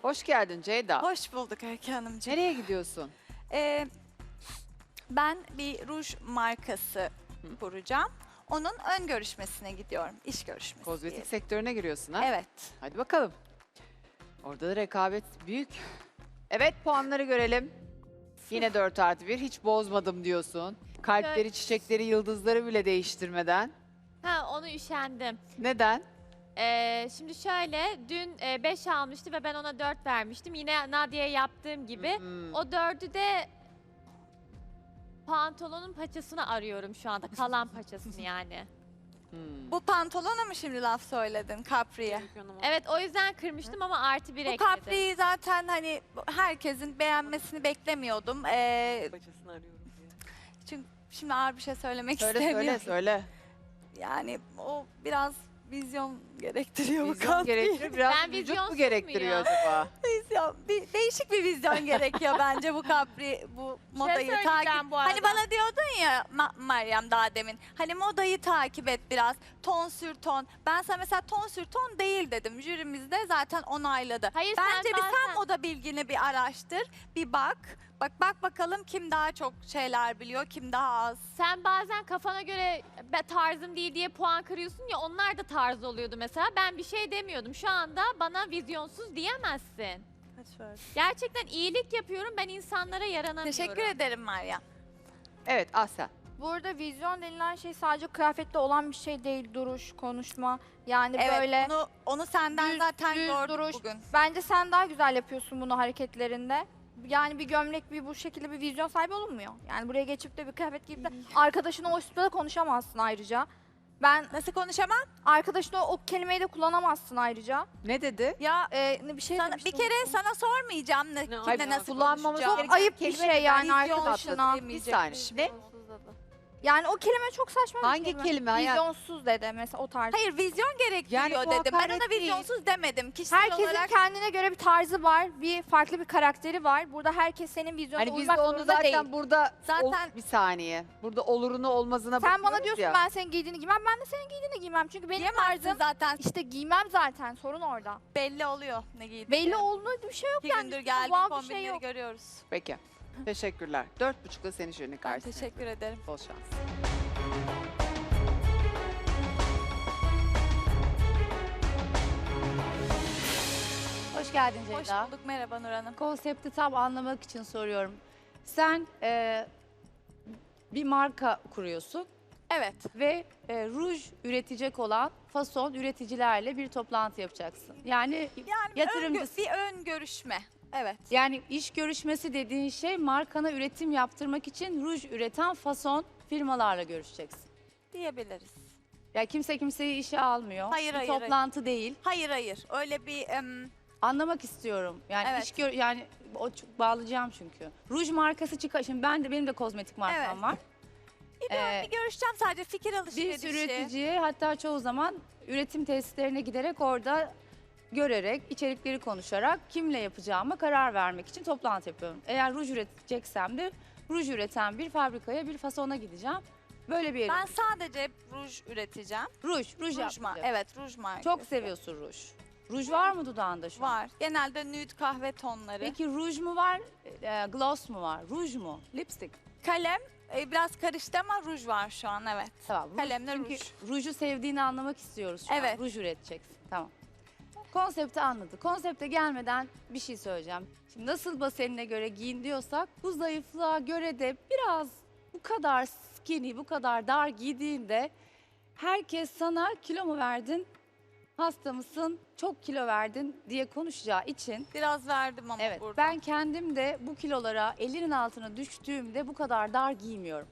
Hoş geldin Ceyda. Hoş bulduk Öykü Hanımcığım. Nereye gidiyorsun? Ben bir ruj markası kuracağım. Onun ön görüşmesine gidiyorum. İş görüşmesi Kozmetik diyelim. sektörüne giriyorsun ha? Evet. Hadi bakalım. Orada da rekabet büyük. Evet, puanları görelim. Yine 4+1. Hiç bozmadım diyorsun. Kalpleri, çiçekleri, yıldızları bile değiştirmeden. Ha, onu üşendim. Neden? Şimdi şöyle, dün 5 almıştı ve ben ona 4 vermiştim. Yine Nadia'ya yaptığım gibi. O 4'ü de pantolonun paçasını arıyorum şu anda. Kalan paçasını yani. Bu pantolona mı şimdi laf söyledin Capri'ye? Evet, o yüzden kırmıştım ama +1 Bu ekledim. Capri'yi zaten hani herkesin beğenmesini beklemiyordum. Bacasını arıyorum diye. Çünkü şimdi ağır bir şey söylemek Söyle istemiyorum. söyle. Yani o biraz vizyon gerektiriyor bu Vizyon Capri. gerektiriyor. Biraz Ben vücut vizyonsuz mu gerektiriyor muyum? acaba? Vizyon, değişik bir vizyon gerekiyor bence bu Capri, bu modayı söyleyeceğim takip. bu arada. Hani bana diyordun ya Meryem daha demin. Hani modayı takip et biraz. Ton sür ton. Ben sana mesela ton sür ton değil dedim. Jürimiz de zaten onayladı. Hayır, Bence bir sen bazen- moda bilgini bir araştır. Bir bak. Bak bakalım kim daha çok şeyler biliyor, kim daha az. Sen bazen kafana göre tarzım değil diye puan kırıyorsun ya, onlar da tarz oluyordu mesela. Ben bir şey demiyordum. Şu anda bana vizyonsuz diyemezsin. Gerçekten iyilik yapıyorum, ben insanlara yaranamıyorum. Teşekkür ederim Meryem. Evet, Aslen. Burada vizyon denilen şey sadece kıyafette olan bir şey değil. Duruş, konuşma. Yani Evet, böyle onu senden düz- zaten düz gördük duruş. bugün. Bence sen daha güzel yapıyorsun bunu hareketlerinde. Yani bir gömlek, bir bu şekilde bir vizyon sahibi olunmuyor. Yani buraya geçip de bir kıyafet giyip de arkadaşına o üstüne de konuşamazsın ayrıca. Ben Nasıl konuşamam? arkadaşına o kelimeyi de kullanamazsın ayrıca. Ne dedi? Ya Bir şey bir demiştim, kere unuttum. sana sormayacağım Hayır, kimle nasıl kullanmamız konuşacağım. gereken Ayıp bir kelime şey yani vizyon arkadaşına. atladı. Bir saniye. Ne? Yani o kelime çok saçma bir Hangi kelime hayat? Vizyonsuz dedi mesela o tarz. Hayır vizyon gerektiriyor Yani bu dedim. Ben hakaret ona değil. vizyonsuz demedim. Kişisel Herkesin olarak kendine göre bir tarzı var, bir farklı bir karakteri var. Burada herkes senin vizyonuna Hani biz de uymak onu zorunda zaten değil. burada Zaten- bir saniye. Burada olurunu olmazına Sen bana bakıyoruz diyorsun ya. ben senin giydiğini giymem, ben de senin giydiğini giymem. Çünkü benim diyemezsin tarzım zaten. işte giymem zaten, sorun orada. Belli oluyor ne giydiğin. Belli olduğu bir şey yok 2 yani. gündür Üstünde geldiğin doğal bir şey kombinleri yok. görüyoruz. Peki. Teşekkürler. 4.5'da seni jürinin Ben karşısına. teşekkür ederim. Bol şans. Hoş geldin Hoş Ceyda. bulduk. Merhaba Nur Hanım. Konsepti tam anlamak için soruyorum. Sen bir marka kuruyorsun Evet. ve ruj üretecek olan fason üreticilerle bir toplantı yapacaksın. Yani Yani Yatırımcısı. bir ön görüşme. Evet. yani iş görüşmesi dediğin şey markana üretim yaptırmak için ruj üreten fason firmalarla görüşeceksin. Diyebiliriz. Ya kimse kimseyi işe almıyor. Hayır, bir hayır, toplantı değil. Hayır. Öyle bir Anlamak istiyorum. Yani Evet. yani bağlayacağım çünkü. Ruj markası çıkar. Şimdi benim de kozmetik markam Evet. var. bir görüşeceğim sadece fikir Bir alışverişi. sürü üreticiye hatta çoğu zaman üretim tesislerine giderek orada görerek, içerikleri konuşarak kimle yapacağıma karar vermek için toplantı yapıyorum. Eğer ruj üreteceksem de ruj üreten bir fabrikaya, bir fasona gideceğim. Böyle bir yere. Ben sadece ruj üreteceğim. Ruj Ruj yapacağım. Evet, ruj markası. Çok seviyorsun ruj. Ruj var mı dudağında şu an? Var. Genelde nude kahve tonları. Peki ruj mu var, gloss mu var? Ruj mu? Lipstick. Kalem biraz karıştı ama ruj var şu an evet. Tamam. Ruj, Kalemle çünkü ruj. ruju sevdiğini anlamak istiyoruz şu an. Evet. Ruj üreteceksin. Tamam. Konsepti anladık. Konsepte gelmeden bir şey söyleyeceğim. Şimdi nasıl basenine göre giyin diyorsak bu zayıflığa göre de biraz bu kadar skinny, bu kadar dar giydiğinde herkes sana kilo mu verdin, hasta mısın, çok kilo verdin diye konuşacağı için Biraz verdim ama evet burada. ben kendim de bu kilolara elinin altına düştüğümde bu kadar dar giymiyorum.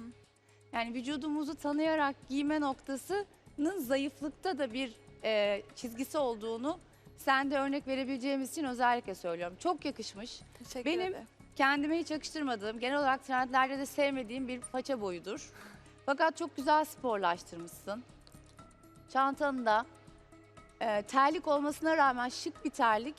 Yani vücudumuzu tanıyarak giyme noktasının zayıflıkta da bir çizgisi olduğunu sen de örnek verebileceğimiz için özellikle söylüyorum. Çok yakışmış. Teşekkür benim- ederim. Kendime hiç yakıştırmadığım, genel olarak trendlerde de sevmediğim bir paça boyudur. Fakat çok güzel sporlaştırmışsın. Çantanın da terlik olmasına rağmen şık bir terlik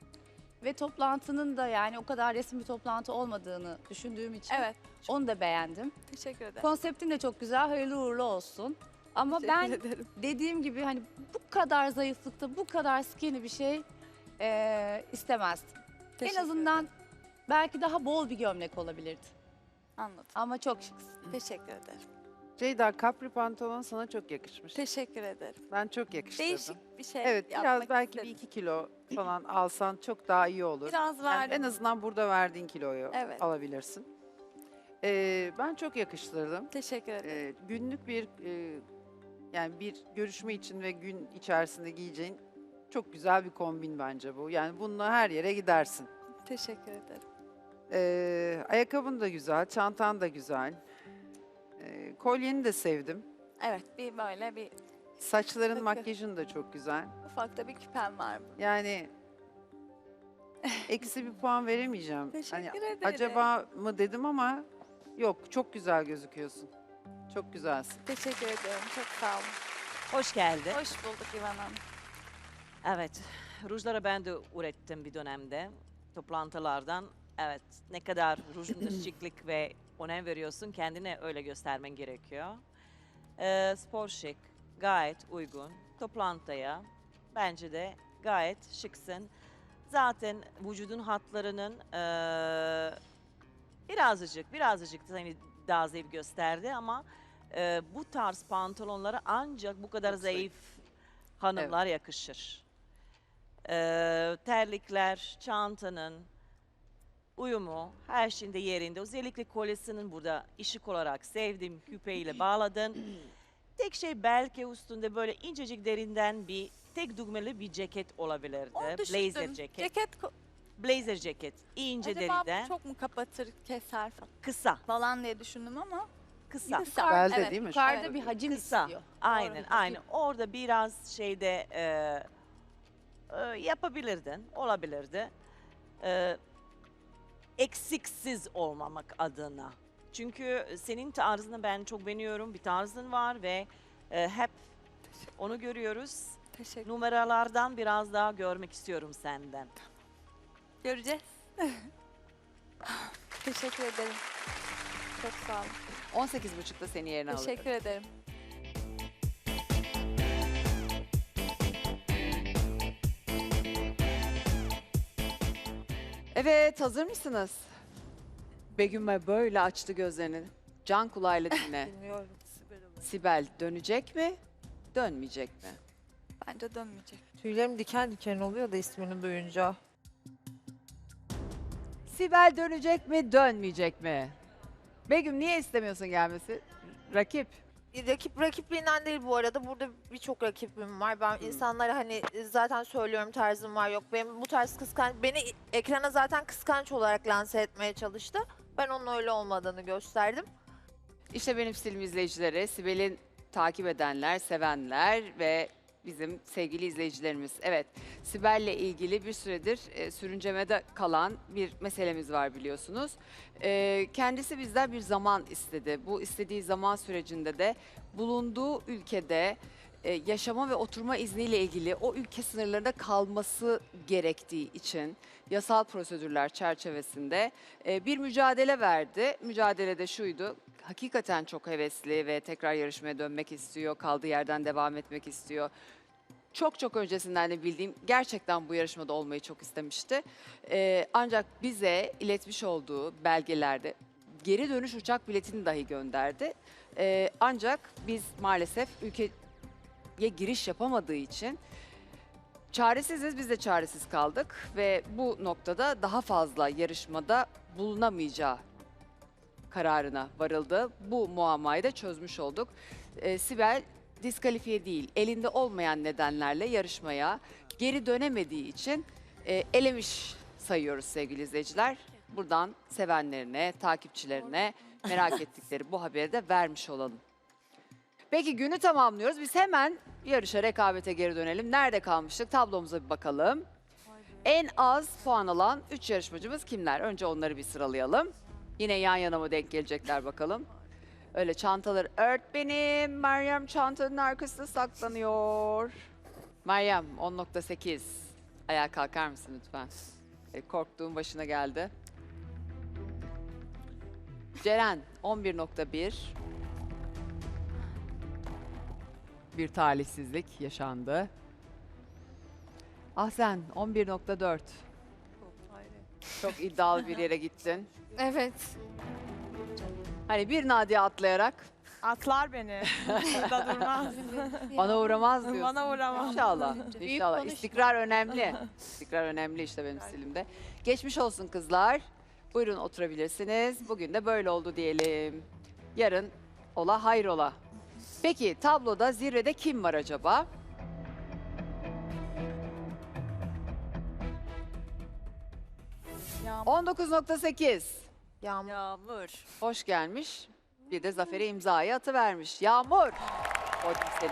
ve toplantının da yani o kadar resmi bir toplantı olmadığını düşündüğüm için Evet. onu da beğendim. Teşekkür ederim. Konseptin de çok güzel, hayırlı uğurlu olsun. Ama ben Teşekkür ederim. dediğim gibi hani bu kadar zayıflıkta, bu kadar skinny bir şey istemezdim. Teşekkür En azından belki daha bol bir gömlek olabilirdi. Anladım. Ama çok şıksın. Teşekkür ederim. Ceyda, kapri pantolon sana çok yakışmış. Teşekkür ederim. Ben çok yakıştırdım. Değişik bir şey Evet, yapmak biraz belki istedim. bir 2 kilo falan alsan çok daha iyi olur. Biraz Yani verdim. en azından burada verdiğin kiloyu Evet. alabilirsin. Ben çok yakıştırdım. Teşekkür ederim. Günlük bir yani bir görüşme için ve gün içerisinde giyeceğin çok güzel bir kombin bence bu. Yani bununla her yere gidersin. Teşekkür ederim. Ayakkabın da güzel, çantan da güzel. Kolyeni de sevdim. Evet, bir böyle bir Saçların, Takı. makyajın da çok güzel. ufak da bir küpem var. Yani eksi bir puan veremeyeceğim. Teşekkür ederim. Acaba mı dedim ama yok, çok güzel gözüküyorsun. Çok güzelsin. Teşekkür ederim. Çok sağ olun. Hoş geldin. Hoş bulduk İvan Hanım. Evet, rujları ben de ürettim bir dönemde. Toplantılardan. Evet, ne kadar rujunda şıklık ve önem veriyorsun, kendine öyle göstermen gerekiyor. Spor şık, gayet uygun. Toplantıya bence de gayet şıksın. Zaten vücudun hatlarının birazcık seni daha zayıf gösterdi ama bu tarz pantolonlara ancak bu kadar Çok zayıf. zayıf hanımlar yakışır. Terlikler, çantanın uyumu, her şeyinde yerinde. Özellikle kolyesinin burada ışık olarak sevdiğim küpeyle bağladın. Tek şey belki üstünde böyle incecik derinden bir tek düğmeli bir ceket olabilirdi. Onu Blazer düşündüm. ceket. Ceket Blazer ceket. İnce acaba deriden. bu çok mu kapatır, keser Kısa. falan diye düşündüm ama Kısa. kısa. Belde Evet. değil mi? Yukarıda Şurada bir hacim Kısa. istiyor. Aynen, Doğru. aynen. Orada biraz şeyde yapabilirdin, olabilirdi. Eksiksiz olmamak adına. Çünkü senin tarzını ben çok beğeniyorum. Bir tarzın var ve hep onu görüyoruz. Teşekkür Numaralardan biraz daha görmek istiyorum senden. Göreceğiz. Teşekkür ederim. Çok sağ olun. 18.30'da seni yerine alırım. Teşekkür ederim. Evet, hazır mısınız? Begüm'e böyle açtı gözlerini. Can kulağıyla dinle. Bilmiyorum. Sibel dönecek mi, dönmeyecek mi? Bence dönmeyecek. Tüylerim diken diken oluyor da ismini duyunca. Sibel dönecek mi, dönmeyecek mi? Begüm niye istemiyorsun gelmesi? Rakip. Rakipliğinden değil bu arada. Burada birçok rakibim var. Ben insanlara hani zaten söylüyorum tarzım var yok. Benim bu tarz beni ekrana zaten kıskanç olarak lanse etmeye çalıştı. Ben onun öyle olmadığını gösterdim. İşte benim stilim izleyicileri, Sibel'in takip edenler, sevenler ve bizim sevgili izleyicilerimiz. Evet, Sibel'le ilgili bir süredir sürüncemede kalan bir meselemiz var biliyorsunuz. Kendisi bizden bir zaman istedi. Bu istediği zaman sürecinde de bulunduğu ülkede yaşama ve oturma izniyle ilgili o ülke sınırlarında kalması gerektiği için yasal prosedürler çerçevesinde bir mücadele verdi. Mücadele de şuydu. Hakikaten çok hevesli ve tekrar yarışmaya dönmek istiyor. Kaldığı yerden devam etmek istiyor. Çok öncesinden de bildiğim gerçekten bu yarışmada olmayı çok istemişti. Ancak bize iletmiş olduğu belgelerde geri dönüş uçak biletini dahi gönderdi. Ancak biz maalesef ülkeye giriş yapamadığı için çaresiziz, biz de çaresiz kaldık ve bu noktada daha fazla yarışmada bulunamayacağı kararına varıldı. Bu muammayı da çözmüş olduk. Sibel diskalifiye değil, elinde olmayan nedenlerle yarışmaya geri dönemediği için elemiş sayıyoruz sevgili izleyiciler. Buradan sevenlerine, takipçilerine merak ettikleri bu haberi de vermiş olalım. Peki günü tamamlıyoruz. Biz hemen yarışa, rekabete geri dönelim. Nerede kalmıştık? Tablomuza bir bakalım. En az puan alan 3 yarışmacımız kimler? Önce onları bir sıralayalım. Yine yan yana mı denk gelecekler bakalım. Öyle çantaları benim. Meryem çantanın arkasında saklanıyor. Meryem 10.8. Ayağa kalkar mısın lütfen? Korktuğum başına geldi. Ceren 11.1. Bir talihsizlik yaşandı. Ahsen 11.4. Çok iddialı bir yere gittin. Evet. Hani bir Nadia atlayarak Atlar beni. Burada durmaz. bana uğramaz diyorsun. Bana uğramaz. İnşallah. İnşallah. konuşma. İstikrar önemli. İstikrar önemli işte benim stilimde. Geçmiş olsun kızlar. Buyurun oturabilirsiniz. Bugün de böyle oldu diyelim. Yarın ola hayrola. Peki tabloda zirvede kim var acaba? Yağmur. 19.8. Yağmur. Hoş gelmiş. Bir de Zafer'e imzayı atıvermiş. Yağmur. O senin.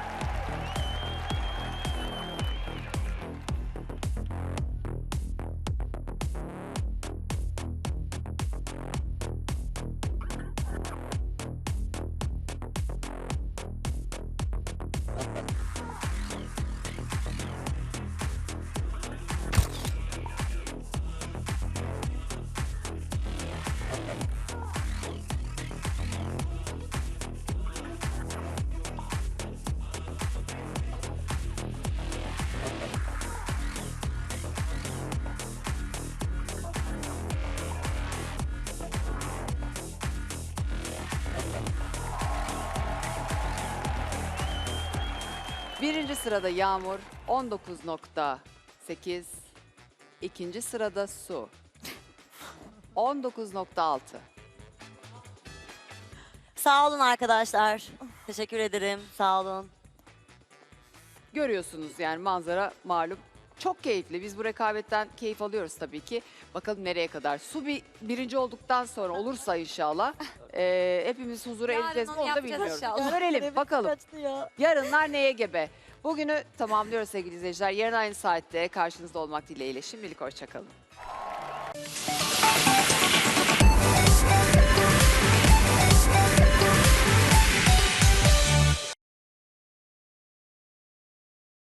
Birinci sırada Yağmur 19.8. İkinci sırada Su 19.6. Sağ olun arkadaşlar. Teşekkür ederim. Sağ olun. Görüyorsunuz yani manzara malum. Çok keyifli. Biz bu rekabetten keyif alıyoruz tabii ki. Bakalım nereye kadar. Su birinci olduktan sonra olursa inşallah hepimiz huzura Yarın ereceğiz. onu Onu da yapacağız bilmiyorum. inşallah. Görelim bakalım. Yarınlar neye gebe? Bugünü tamamlıyoruz sevgili izleyiciler. Yarın aynı saatte karşınızda olmak dileğiyle. Şimdilik hoşçakalın.